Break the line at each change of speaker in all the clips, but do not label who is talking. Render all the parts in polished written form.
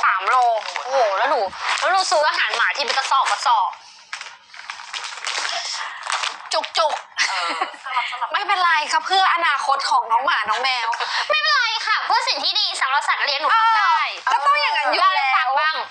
3 โลโอ้โหแล้วหนูซื้ออาหารหมาที่เป็นกระสอบจุกไม่เป็นไรครับเพื่ออนาคตของน้องหมาน้องแมวไม่เป็นไรค่ะเพื่อสิ่งที่ดีสำหรับสัตว์เลี้ยงหนูทำได้ก็ต้องอย่างนั้นอยู่แล้วบ้าง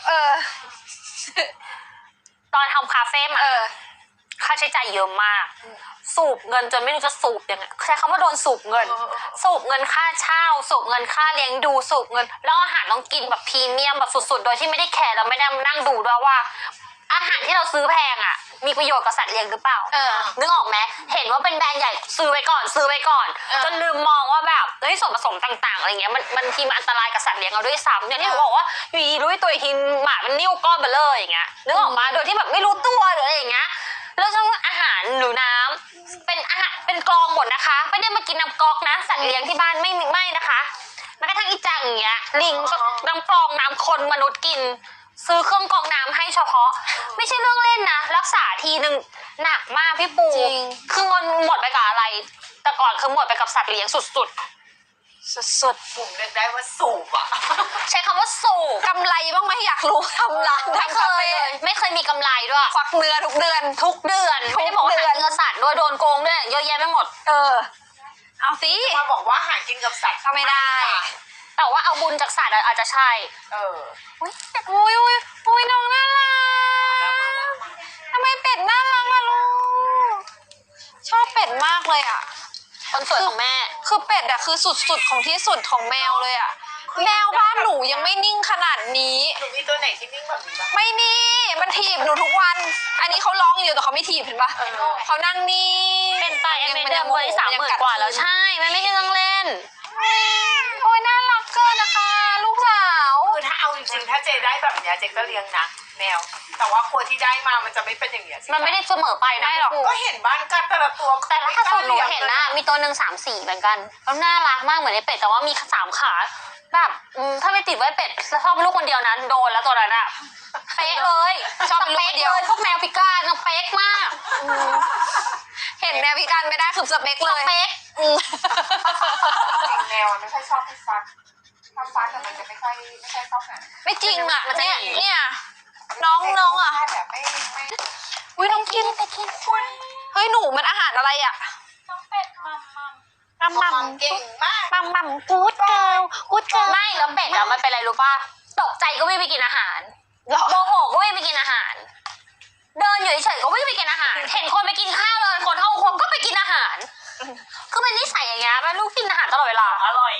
ตอนทำคาเฟ่มาค่าใช้จ่ายเยอะมากสูบเงินจนไม่รู้จะสูบยังไงใช้คำว่าโดนสูบเงินค่าเช่าสูบเงินค่าเลี้ยงดูสูบเงินแล้วอาหารต้องกินแบบพรีเมียมแบบสุดๆโดยที่ไม่ได้แคร์แล้วไม่ได้นั่งดูด้วยว่าอาหารที่เราซื้อแพงอ่ะมีประโยชน์กับสัตว์เลี้ยงหรือเปล่านึกออกไหมเห็นว่าเป็นแบรนด์ใหญ่ซื้อไว้ก่อนจนลืมมองว่าแบบส่วนผสมต่างๆอะไรเงี้ยมันทีมันอันตรายกับสัตว์เลี้ยงเราด้วยซ้ำอย่างที่หนูบอกว่าอยู่ดีรู้ตัวทีหมามันนิ่วก้อนเบลออย่างเงี้ยนึกออกมาโดยที่แบบไม่รู้ตัวหรืออะไรอย่างเงี้ยแล้วช่วงอาหารหรือน้ำเป็นอาหารเป็นกรองหมดนะคะไม่ได้มากินน้ำก๊อกนะสัตว์เลี้ยงที่บ้านไม่นะคะแม้กระทั่งอีจังอย่างเงี้ยลิงก็น้ำกรองน้ำคนมนุษย์กินซื้อเครื่องกรองน้ำให้เฉพาะไม่ใช่เรื่องเล่นนะรักษาทีนึงหนักมากพี่ปูคือเงินหมดไปกับอะไรแต่ก่อนคือหมดไปกับสัตว์เลี้ยงสุด
ผมเรียกได้ว่าสูบอ่ะ
ใช้คำว่าสูบกำไรบ้างไหมอยากรู้ทำร้านทำคาเฟ่ไม่เคยมีกำไรด้วยควักเนื้อทุกเดือนไม่ได้บอกว่าหาเนื้อสัตว์ด้วยโดนโกงด้วยเยอะแยะไปหมดเอาสิ
มาบอกว่าหากินกับสัตว์
ก็ไม่ได้แต่ว่าเอาบุญจากสัตว์อาจจะใช่อุ้ยน้องน่ารักทำไมเป็ดน่ารักล่ะลูกชอบเป็ดมากเลยอ่ะคนสวยของแม่คือเป็ดอะคือสุดของที่สุดของแมวเลยอะแมวบ้านหนูยังไม่นิ่งขนาดนี้
หนูมีตัวไหนที่นิ่งแบบนี้บ้าง
ไม่มีมันถีบหนูทุกวันอันนี้เขาร้องอยู่แต่เขาไม่ถีบเห็นปะเขานั่งนิ่งเป็นไปยังไม่ได้มวย30,000 กว่าแล้วใช่มันไม่ใช่เรื่องเล่นโอ้ยน่ารักเกินนะคะลูกสาว
คือถ้าเอาจริงๆถ้าเจได้แบบเนี้ยเจก็เลี้ยงนะแมวแต่ว่าคนที่ได้มามันจะไม่เป็นอย่างเงี้ย
มันไม่ได้เสมอไปนะหรอก
ก็เห็นบ้านกันแต่ละตัว
แต่ล่าสุดหนูเห็นนะมีตัวหนึ่ง3 4เหมือนกันแล้วน่ารักมากเหมือนในเป็ดแต่ว่ามี3 ขาแบบถ้าไม่ติดไว้เป็ดชอบเป็นลูกคนเดียวนั้นโดนแล้วตัวนั้นอะเป๊ะเลยชอบเป็นลูกเดียวพวกแมวพิการเป๊ะมากเห็นแมวพิการไม่ได้คือสเปคเลยสเปค
แมวไม่ค่อยชอบให้ฟักถ้าฟักแต่มันจะไม่ค่อยชอบหา
ไม่จริงอะมันจะเนี่ยน้องอะ
แบบไม่
อุ้ยน้องกินเฮ้ยหนูมันอาหารอะไรอะ
น้องเป็ดมัมเก่งมาก
มัมกู๊ดเกิร์ลไม่แล้วเป็ดอะมันเป็นอะไรรู้ป่ะตกใจก็วิ่งไปกินอาหารโมโหก็วิ่งไปกินอาหารเดินอยู่เฉยๆก็วิ่งไปกินอาหารเห็นคนไปกินข้าวเลยคนเข้าครัวก็ไปกินอาหารคือเป็นนิสัยอย่างเงี้ยเป็นลูกกินอาหารตลอดเวลา
อร่อย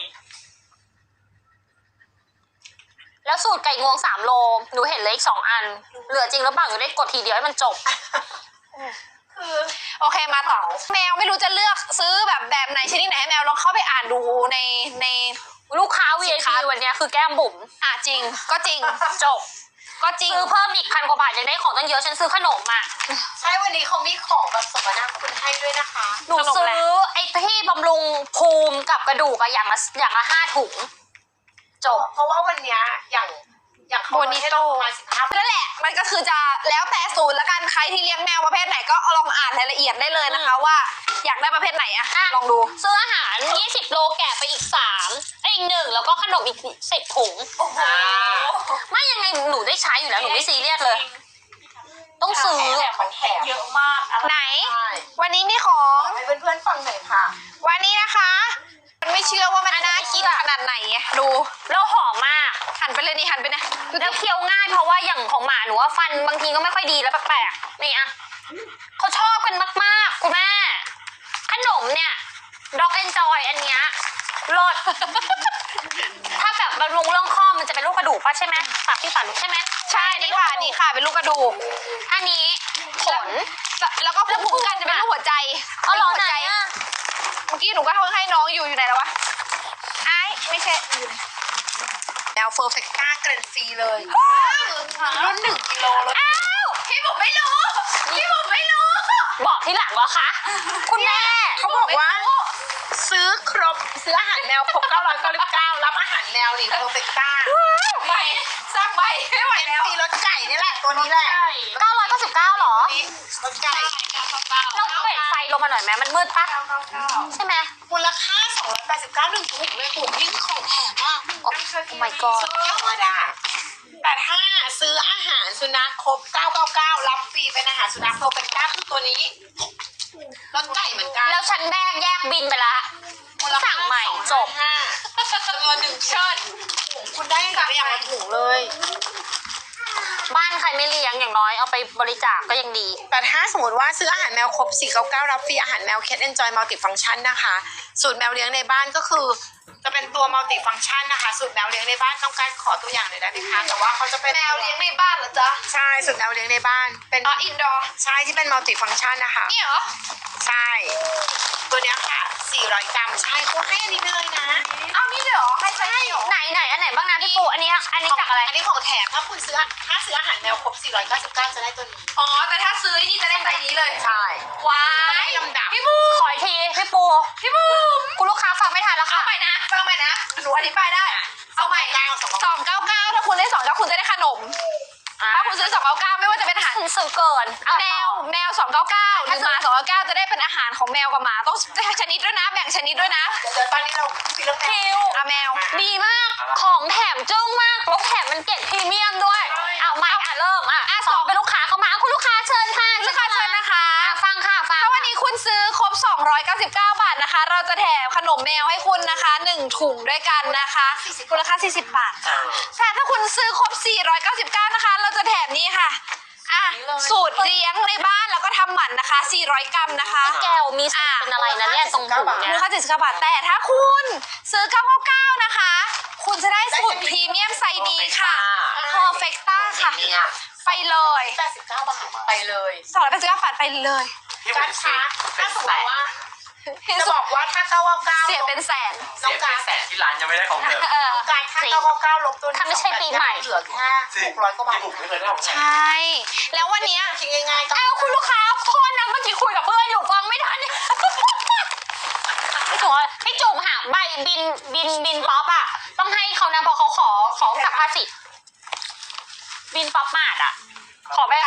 แล้วสูตรไก่งวง3 โลหนูเห็นเลยอีก2 อันเหลือจริงหรือเปล่าหนูได้กดทีเดียวให้มันจบคือโอเคมาต่อแมวไม่รู้จะเลือกซื้อแบบไหนชนิดไหนให้แมวลองเข้าไปอ่านดูในลูกค้า VIP วันนี้คือแก้มบุ๋มจริงก็จริงจบก็จริงซื้อเพิ่มอีก1,000 กว่าบาทยังได้ของตั้งเยอะฉันซื้อขนมอ่ะ
ใช่วันนี้เขามีของแบบสมนาคุณให้ด้วยนะคะ
หนูซื้อไอ้ที่บำรุงภูมิกับกระดูกอะอย่างละ5 ถุงจบ
เพราะว่าวันนี้อย่าง
โบนิโต้นั่นแหละมันก็คือจะแล้วแต่สูตรละกันใครที่เลี้ยงแมวประเภทไหนก็ลองอ่านรายละเอียดได้เลยนะคะว่าอยากได้ประเภทไหนอะลองดูซื้ออาหาร20 โลแกะไปอีกอีก 1แล้วก็ขนมอีก10 ถุงไม่ยังไงหนูได้ใช้อยู่แล้วหนูไม่ซีเรียสเลยต้องซื้อ
มันแถมเยอะมาก
ไหนวันนี้มีของ
ให้เพื่อนๆฟังหน่อยค่ะ
วันนี้นะคะมันไม่เชื่อว่ามันน่ากินขนาดไหนดูแล้วหอมมากหันไปเลยนี่หันไปนะแล้วเคี้ยวง่ายเพราะว่าอย่างของหมาหนูว่าฟันบางทีก็ไม่ค่อยดีแล้วแปลกๆนี่อะเขาชอบกันมากๆคุณแม่ขนมเนี่ยด็อกเอนจอยอันเนี้ยรสถ้าแบบบำรุงเรื่องข้อมันจะเป็นลูกกระดูกป่ะใช่ไหมฝากพี่ฝากลูกใช่ไหมใช่นี่ค่ะเป็นลูกกระดูกอันนี้ผลแล้วก็ภูมิคุ้มกันจะเป็นลูกหัวใจหัวใจเมื่อกี้หนูก็ให้น้องอยู่ไหนแล้ววะไม่ใช่
แนวเฟอร์เฟกต้าเกรนฟรีเลยรุ่น1 กิโลเลย
พี่ผมไม่รู้บอกที่หลังเหรอคะคุณแม่
เขาบอกว่าซื้ออาหารแมวครบ999รับอาหารแมวนี่เฟอร์เฟกต้า
ใบสักใบไม่ไหวแล้ว
ฟรีรสไก่นี่แหละตัวนี้แหละ
999หรอ
รสไก่
เราเปิดไฟลงมาหน่อยไหมมันมืดปะใช่ไหม
มูลค่า289 1 ถุงเลยถุงยิ่งของแถมอ่ะ
โอ้ my god
สุดยอดอ่ะนัขครบ999รับฟรีเป็นอาหารสุนัขโปรเฟกต้าคือตัวนี้รสไก่เหมือนกัน
แล้วฉันแยกบินไปละสั่งใหม่จบ
จำนวน1เชิญถุงคุณได้ไปอย่างละถุงเลย
บ้านใครไม่เลี้ยงอย่างน้อยเอาไปบริจาคก็ยังดี
แต่ถ้าสมมติว่าซื้ออาหารแมวครบ499รับฟรีอาหารแมว Cat Enjoy Multifunction นะคะสูตรแมวเลี้ยงในบ้านก็คือจะเป็นตัว Multifunction นะคะสูตรแมวเลี้ยงในบ้านต้องการขอตัวอย่างหน่อยได้ไหมคะแต่ว่าเขาจะเป็น
แมวเลี้ยงในบ้านเหรอจ๊ะ
ใช่สูตรแมวเลี้ยงในบ้านเป็น
อ๋ออินดอร์
ใช่ที่เป็น Multifunction นะคะ
นี่เหรอ
ใช่ตัวเนี้ยค่ะ400 กรัมใช่เขาให้อันนี้ไปเลยนะ
อ้าวนี่เลยเหรอให้ใช่เหรอ
ไหนอันไหนบ้างนะพี่ปูอันนี้จากอะไร
อันนี้ของแถมถ้าคุณซื้ออาหารแมวครบ499จะได้ตัวนี้
อ๋อแต่ถ้าซื้อนี่จะได้ใบนี้เลย
ใช่
ว้า
ให้
ย
ลำดับ
พี่บู
ขออีกทีพี่ปู
พี่บู
คุณลูกค้าฟังไม่ทันแล้ว
เอา
ค่ะ
ใหม่นะฟังใหม่นะหนูอธิบายได้ เอาใหม่ 299ถ้าคุณได้299คุณจะได้ขนม ถ้าคุณซื้อ299ไม่ว่าจะเป็นอาหาร
ฉันซื้อเกินเอา
แมว299หรือหมา299จะได้เป็นอาหารของแมวกับหมาต้องชนิดด้วยนะ แบ่งชนิดด้วยนะ
เดี๋ยวตอนนี้เราคุยเรื่องแม
คิ
ว
ว
อ่ะแมว
ดีมาก ของแถมจึ้งมากแล้วแถมมันเกรดพรีเมียมด้วย เอาใหม่เริ่มสองเป็นลูกค้าเข้ามาคุณลูกค้าเชิญค่ะ
ลูกค้าเชิญนะคะ
ฟังค่ะฟัง
ถ้าวันนี้คุณซื้อครบ 299 บาทนะคะ เราจะแถมขนมแมวให้คุณนะคะ 1 ถุงด้วยกันนะคะมูลค่า 40 บาทค่ะแต่ถ้าคุณซื้อครบ 499 นะคะ เราจะแถมนี้ค่ะสูตรเลี้ยงในบ้านแล้วก็ทำหมันนะคะ 400 กรัมนะคะ
แก้วมีสูตรเป็นอะไรนะเนี่ยตรงหู
มู
เนี่
ล
ย
ค่า 79 บาท แต่ถ้าคุณซื้อ 999 นะคะ คุณจะได้สูตรพรีเมียมไซส์นี้ค่ะ Perfecta ค่ะ ไปเลย
89 บาทไปเลย
289 บาทไปเลย
การค้าถ้าสมมติว่าจะบอกว่าถ้า999
เสียเป็นแสน
น้องการ
แสนที่ร้านยังไม่ได้ของเธอ
การถ้า999ลบตัวนี้
ถ้าไม่ใช่ปีใหม่
เหลือแค่600 กว่าบาท
ที่ผมไม่เคยได้ของ
ใช่ แล้ววันเนี้ย
คิดง่ายๆก็
เอาคุณลูกค้าโทษนะเมื่อกี้คุยกับเพื่อนอยู่ฟังไม่ทันเนี่ยพี่จุ๋มหาใบบินป๊อปอ่ะต้องให้เขานะเพราะเขาขอกับภาษีบินป๊อปมาดอ่ะขอใบ